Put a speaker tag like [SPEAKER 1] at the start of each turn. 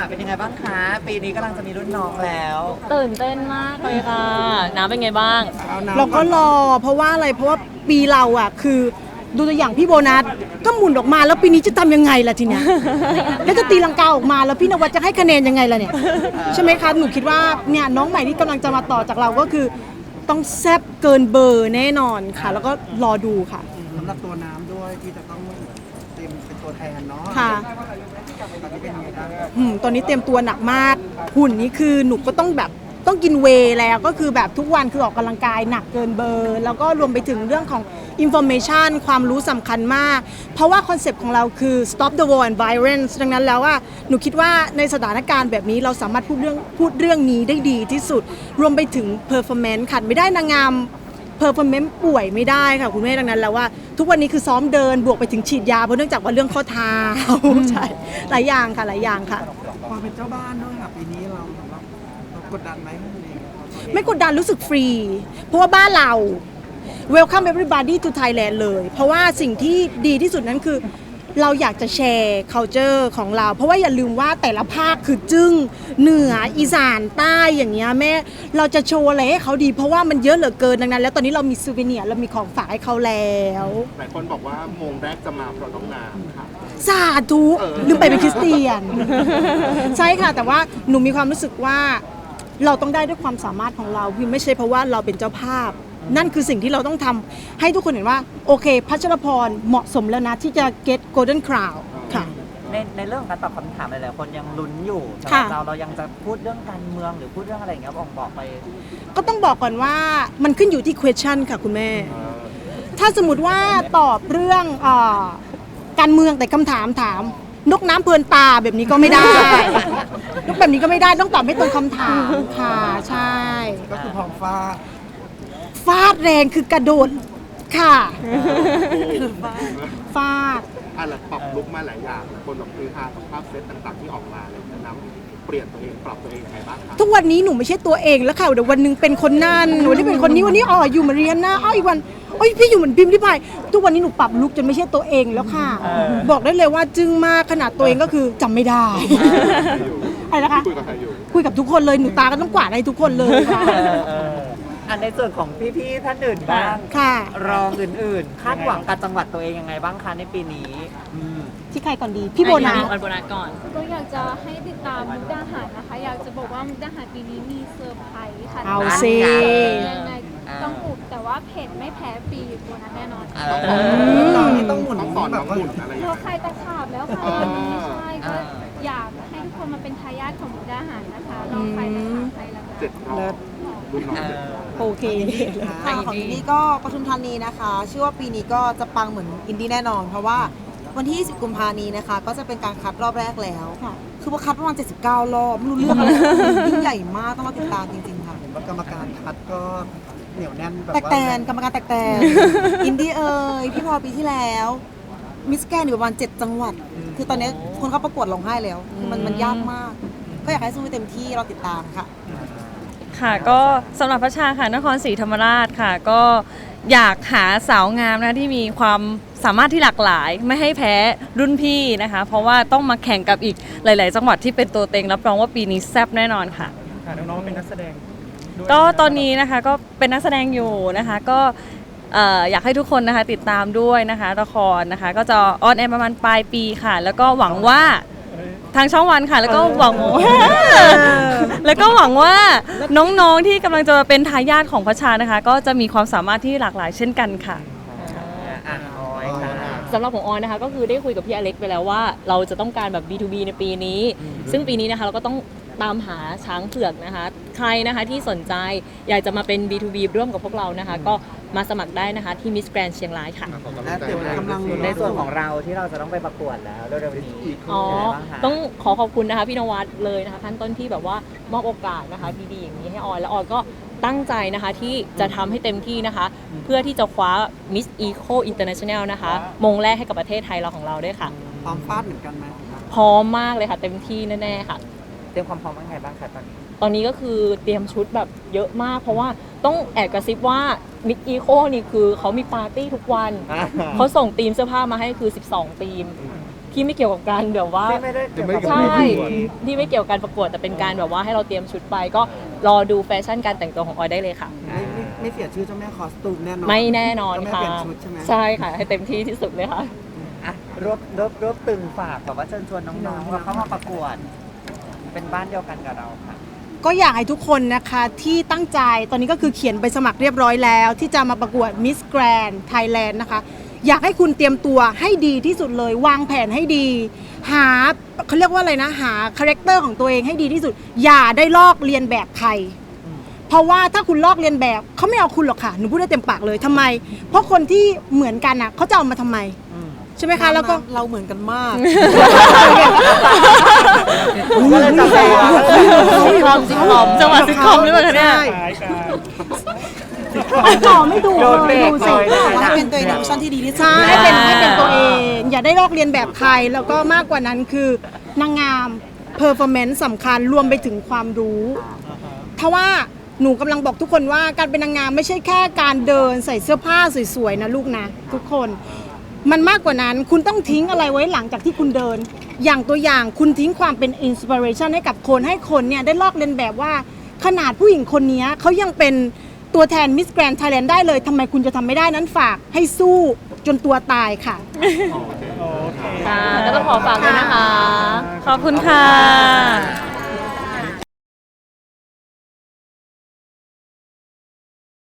[SPEAKER 1] เป็นยังไงบ้างคะปีนี้กำลังจะมีรุ่นน้องแล้ว
[SPEAKER 2] ตื่นเต้นมากเลยค่ะน้ำเป็นไงบ้าง
[SPEAKER 3] เราก็รอเพราะว่าอะไรเพราะว่าปีเราอ่ะคือดูตัวอย่างพี่โบนัสก็หมุนออกมาแล้วปีนี้จะทำยังไงล่ะทีเนี้ย แล้วจะตีลังกาออกมาแล้วพี่นวัดจะให้คะแนนยังไงล่ะเนี่ยใช่ไหมคะหนูคิดว่าเนี่ยน้องใหม่ที่กำลังจะมาต่อจากเราก็คือต้องแซ่บเกินเบอร์แน่นอนค่ะ แล้วก็รอดูค่ะ
[SPEAKER 4] สำหรับตัวน้ำด้วยที่จะต้องเตรียมเป็นตัวแทนเนาะ
[SPEAKER 3] ค่ะ
[SPEAKER 4] ตอนนี้เป็นยังไงบ้าง
[SPEAKER 3] ตอนนี้เตรียมตัวหนักมากหุ่นนี้คือหนูก็ต้องแบบต้องกินเวย์แล้วก็คือแบบทุกวันคือออกกำลังกายหนักเกินเบอร์ แล้วก็รวมไปถึงเรื่องของ information ความรู้สำคัญมาก เพราะว่าคอนเซปต์ของเราคือ stop the war and violence ดังนั้นแล้วว่าหนูคิดว่าในสถานการณ์แบบนี้เราสามารถพูดเรื่องนี้ได้ดีที่สุด รวมไปถึง performance ขัดไม่ได้นางงาม performance ป่วยไม่ได้ค่ะคุณแม่ดังนั้นแล้วว่าทุกวันนี้คือซ้อมเดินบวกไปถึงฉีดยาเพราะเนื่องจากว่าเรื่องข้อเท้า ใช่หลายอย่างค่ะหลายอย่างค่ะ
[SPEAKER 4] ความเป็นเจ้าบ้านด้วยค่ะปีนี้เรากดดันไหม
[SPEAKER 3] ไม่กดดันรู้สึกฟรี เพราะว่าบ้านเรา welcome everybody to Thailand เลย เพราะว่าสิ่งที่ดีที่สุดนั้นคือเราอยากจะแชร์ culture ของเรา เพราะว่าอย่าลืมว่าแต่ละภาคคือจึ้งเหนืออีสานใต้อย่างเงี้ยแม่เราจะโชว์อะไรให้เขาดี เพราะว่ามันเยอะเหลือเกินดังนั้น แล้วตอนนี้เรามีซูเวเนียร์เรามีของฝากให้เขาแล้ว
[SPEAKER 5] หลายคนบอกว่าโมงแรกจะมาเพราะน้องน้ำค่ะ
[SPEAKER 3] สาธุลืมไปเป็นคริสเตียน ใช่ค่ะ แต่ว่าหนูมีความรู้สึกว่าเราต้องได้ด้วยความสามารถของเราพี่ไม่ใช่เพราะว่าเราเป็นเจ้าภาพ นั่นคือสิ่งที่เราต้องทำให้ทุกคนเห็นว่าโอเคพัชรพรเหมาะสมแล้วนะที่จะ get golden crown ค่ะ
[SPEAKER 1] ในเรื่องของการตอบคำถามหลายๆคนยังลุ้นอยู่สำห
[SPEAKER 3] ค่ะ
[SPEAKER 1] รับเรายังจะพูดเรื่องการเมืองหรือพูดเรื่องอะไรอย่างเงี้ยบอกไป
[SPEAKER 3] ก็ต้องบอกก่อนว่ามันขึ้นอยู่ที่ question ค่ะคุณแม่ ถ้าสมมติว่าตอบเรื่องการเมืองแต่คำถามถามนกน้ำเพลินตาแบบนี้ก็ไม่ได้ นกแบบนี้ก็ไม่ได้ต้องตอบให้ตรงคำถามค่ะใช่
[SPEAKER 4] ก็คือพร้อมฟ้า
[SPEAKER 3] ฟาดแรงคือกระโดดค่ะฟาด
[SPEAKER 5] อะไรปรับลุกมาหลายอย่างคนแบบคือฮากับภาพเซตต่างๆที่ออกมาเลยน้ำเปลี่ยนตัวเองปรับตัวเองยังไงบ้างคะ
[SPEAKER 3] ทุกวันนี้หนูไม่ใช่ตัวเองแล้วค่ะเดี๋ยววันหนึงเป็นคนนั่นวันนี้เป็นคนนี้วันนี้อยู่มาเรียนนะอีกวันโอ้ยพี่อยู่เหมือนพิมพ์ที่พายทุกวันนี้หนูปรับลุกจนไม่ใช่ตัวเองแล้วค่ะ บอกได้เลยว่าจึ้งมากขนาดตัวเองก็คือจำไม่ได้ อะไรนะคะ
[SPEAKER 5] คุยกับใครอยู่
[SPEAKER 3] คุยกับทุกคนเลยหนูตาก็ต้องกวาดให้ทุกคนเลยค่ะ
[SPEAKER 1] อันในส่วนของพี่ๆท่านอื่นบ้าง
[SPEAKER 3] ค่ะ
[SPEAKER 1] รองอื่นๆ คาดหวังกับจังหวัดตัวเองยังไงบ้างคะในปีนี้
[SPEAKER 3] ที่ใครก่อนดีพี่โบนัส
[SPEAKER 2] อันโบนัสก่อน
[SPEAKER 6] ก็อยากจะให้ติดตามมุกดาหารนะคะ อยากจะบอกว่ามุกดาหารปีนี้มีเซอร์ไพรส์ค่ะ
[SPEAKER 3] เอาสิ
[SPEAKER 6] ยังไงต้องอุบแต่ว่าเผ็ดไม่แพ้ปีตัวนั้นแน่นอนค่ะ
[SPEAKER 4] ตอนนี้ต้องหมุน
[SPEAKER 5] ต้องสอนน้องหมุนอะไรอย่าง
[SPEAKER 6] เรา
[SPEAKER 5] เงี้ย
[SPEAKER 6] ใครตะขาบแล้วค่ะตอนนี้ใช่ก็อยากให้ทุกคนมาเป็นทายาทของมุกดาหารนะคะลองใครตะขาบใครละกัน
[SPEAKER 5] 7 รอบรุ่นน้อง7 รอบ
[SPEAKER 3] โอเค
[SPEAKER 7] ค่ะของอินดี้ก็ปทุมธานีนะคะเชื่อว่าปีนี้ก็จะปังเหมือนอินดี้แน่นอน เพราะว่าวันที่ 20 กุมภาพันธ์นี้นะคะ ก็จะเป็นการคัดรอบแรกแล้ว
[SPEAKER 3] ค่ะ
[SPEAKER 7] คือว่าคัดประมาณ 79 รอบ ไม่รู้เรื่องอะไรยิ่งใหญ่มากต้องมาติดตามจริงๆค่ะ
[SPEAKER 4] เห็นว่ากรรมการคัดก็เหนียวแน่นแบบ
[SPEAKER 7] แตก
[SPEAKER 4] ว่า
[SPEAKER 7] แตนกรรมการแตกแตนอินดี้พี่พอปีที่แล้วมิสแกนอยู่ประมาณ 7 จังหวัด คือตอนนี้คนเข้าประกวดร้องไห้แล้วคือมันยากมาก ก็อยากให้สู้ให้เต็มที่เราติดตามค่ะ
[SPEAKER 2] ค่ะก็สำหรับพระชาค่ะนครศรีธรรมราชค่ะ ก็อยากหาสาวงามนะที่มีความสามารถที่หลากหลาย ไม่ให้แพ้รุ่นพี่นะคะ เพราะว่าต้องมาแข่งกับอีกหลาย ๆ จังหวัดที่เป็นตัวเต็งรับรองว่าปีนี้แซ่บแน่นอนค่ะ
[SPEAKER 4] น้องๆเป็นนักแสดง
[SPEAKER 2] ก็ตอนนี้นะคะก็เป็นนักแสดงอยู่นะคะก็อยากให้ทุกคนนะคะติดตามด้วยนะคะละครนะคะ ก็จะออนแอร์ประมาณปลายปีค่ะ แล้วก็หวังว่าทางช่องวันค่ะ แล้วก็หวังแล้วก็หวังว่าน้องๆที่กำลังจะเป็นทายาทของพระชานะคะ ก็จะมีความสามารถที่หลากหลายเช่นกันค่ะ
[SPEAKER 1] ออยค่ะ
[SPEAKER 2] สำหรับของออยนะคะก็คือได้คุยกับพี่อเล็กไปแล้วว่าเราจะต้องการแบบ B2B ในปีนี้ ซึ่งปีนี้นะคะเราก็ต้องตามหาช้างเผือกนะคะ ใครนะคะที่สนใจอยากจะมาเป็น B2B ร่วมกับพวกเรานะคะ ก็มาสมัครได้นะคะที่ Miss Grand เชียงรายค่ะ
[SPEAKER 4] และเดี๋ยวกำลัง
[SPEAKER 1] ในส่วนของเราที่เราจะต้องไปประกวดแล้วเร็วๆนี้
[SPEAKER 2] อ๋อ
[SPEAKER 1] เป็นไงบ้างคะ
[SPEAKER 2] ต้องขอขอบคุณนะคะพี่นวัดเลยนะคะขั้นต้นที่แบบว่ามอบโอกาสนะคะดีๆอย่างนี้ให้ออยและออยก็ตั้งใจนะคะที่จะทำให้เต็มที่นะคะ เพื่อที่จะคว้า Miss Eco International นะคะมงแรกให้กับประเทศไทยเราของเราด้วยค่ะ
[SPEAKER 4] พร้อมฟาดเหมือนกันไหม
[SPEAKER 2] พร้อมมากเลยค่ะเต็มที่แน่ๆค่ะ
[SPEAKER 1] เตรียมความพร้อมยังไงบ้างคะตอนนี้
[SPEAKER 2] ตอนนี้ก็คือเตรียมชุดแบบเยอะมาก เพราะว่าต้องแอบกระซิบว่ามิกอีโคนี่คือเขามีปาร์ตี้ทุกวัน เขาส่งทีมเสื้อผ้ามาให้คือ 12 ทีมที่ไม่เกี่ยวกับการแบบว่า
[SPEAKER 1] ที่ไม่ได้เกี่ยวกับ
[SPEAKER 2] ใช่ที่ไม่เกี่ยวกับการประกวดแต่เป็นการแบบว่าให้เราเตรียมชุดไปก็รอดูแฟชั่นการแต่งตัวของออยได้เลยค่ะ
[SPEAKER 4] ไม่เสียชื่อเจ้าแม่คอสตูมแน่นอน
[SPEAKER 2] ไม่แน่นอน
[SPEAKER 4] เจ้าแม่
[SPEAKER 2] ค่ะ
[SPEAKER 4] เปลี่ยนชุดใช่ไหม
[SPEAKER 2] ใช่ค่ะให้เต็มที่ที่สุดเลยค่ะ
[SPEAKER 1] อ่ะรวบตึงฝากแบบว่าเชิญชวนน้องๆว่าเข้ามาประกวด เป็นบ้านเดียวกันกับเราค่ะ
[SPEAKER 3] ก็อยากให้ทุกคนนะคะที่ตั้งใจตอนนี้ก็คือเขียนใบสมัครเรียบร้อยแล้ว ที่จะมาประกวด Miss Grand Thailand นะคะ อยากให้คุณเตรียมตัวให้ดีที่สุดเลย วางแผนให้ดี หาเขาเรียกว่าอะไรนะ หาคาแรคเตอร์ของตัวเองให้ดีที่สุด อย่าได้ลอกเรียนแบบใคร เพราะว่าถ้าคุณลอกเรียนแบบเขาไม่เอาคุณหรอกค่ะหนูพูดได้เต็มปากเลยทำไม เพราะคนที่เหมือนกันอ่ะเขาจะเอามาทำไมใช่ไหมคะแล้วก็
[SPEAKER 7] เราเหมือนกันมาก
[SPEAKER 1] ก็เลยจะแปลว่า
[SPEAKER 2] ซิทคอมจังหวะซิทคอมหรือเปล่าคะเนี่ย
[SPEAKER 3] ต่อไม่ถูก
[SPEAKER 1] โดนเบ
[SPEAKER 3] เล
[SPEAKER 1] ร
[SPEAKER 3] ย
[SPEAKER 1] ก
[SPEAKER 3] ดู
[SPEAKER 1] เล
[SPEAKER 3] สิ
[SPEAKER 1] ยนะคะ
[SPEAKER 7] ให้เป็นตัวเองในเวอร์ชันที่ดีที่สุด
[SPEAKER 3] ใช่ให้เป็นตัวเอง อย่าได้ลอกเรียนแบบใคร แล้วก็มากกว่านั้นคือนางงามเพอร์ฟอร์แมนซ์สำคัญรวมไปถึงความรู้ถ้าว่าหนูกำลังบอกทุกคนว่าการเป็นนางงามไม่ใช่แค่การเดินใส่เสื้อผ้าสวยๆนะลูกนะทุกคนมันมากกว่านั้นคุณต้องทิ้งอะไรไว้หลังจากที่คุณเดิน อย่างตัวอย่างคุณทิ้งความเป็นอินสปิเรชันให้กับคนให้คนเนี่ยได้ลอกเลียนแบบว่าขนาดผู้หญิงคนนี้เขายังเป็นตัวแทนมิสแกรนด์ไทยแลนด์ได้เลยทำไมคุณจะทำไม่ได้นั้นฝากให้สู้จนตัวตายค่ะ
[SPEAKER 2] ค่ะก็ต้องขอฝากด้วยนะคะ ขอบคุณค่ะ